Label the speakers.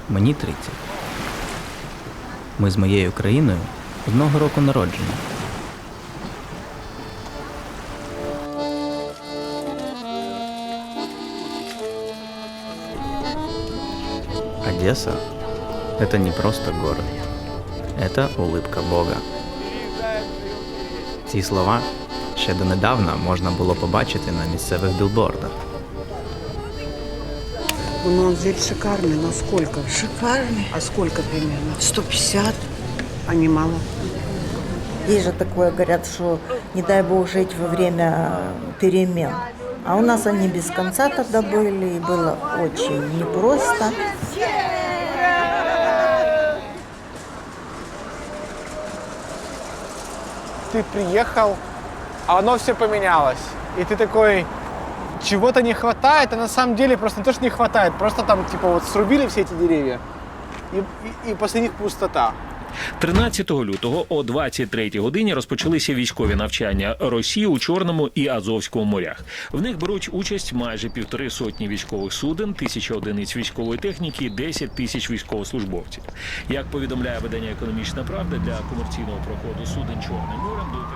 Speaker 1: Мені 30. Ми з моєю країною одного року народження. Одесса – это не просто город. Это улыбка Бога. Ці слова ще донедавна можна було побачити на місцевих білбордах.
Speaker 2: Ну, он здесь шикарный, но сколько?
Speaker 3: Шикарный.
Speaker 2: А сколько примерно?
Speaker 3: 150.
Speaker 2: А не мало?
Speaker 3: Есть же такое, говорят, что не дай бог жить во время перемен. А у нас они без конца тогда были, и было очень непросто.
Speaker 4: Ты приехал, а оно все поменялось. И ты такой, чего-то не хватает, а на самом деле просто не то, что не хватает, просто там типа вот срубили все эти деревья, и после них пустота.
Speaker 5: 13 лютого о 23-й годині розпочалися військові навчання Росії у Чорному і Азовському морях. В них беруть участь майже 1,5 сотні військових суден, 1000 одиниць військової техніки і 10 тисяч військовослужбовців. Як повідомляє видання «Економічна правда», для комерційного проходу суден Чорним морем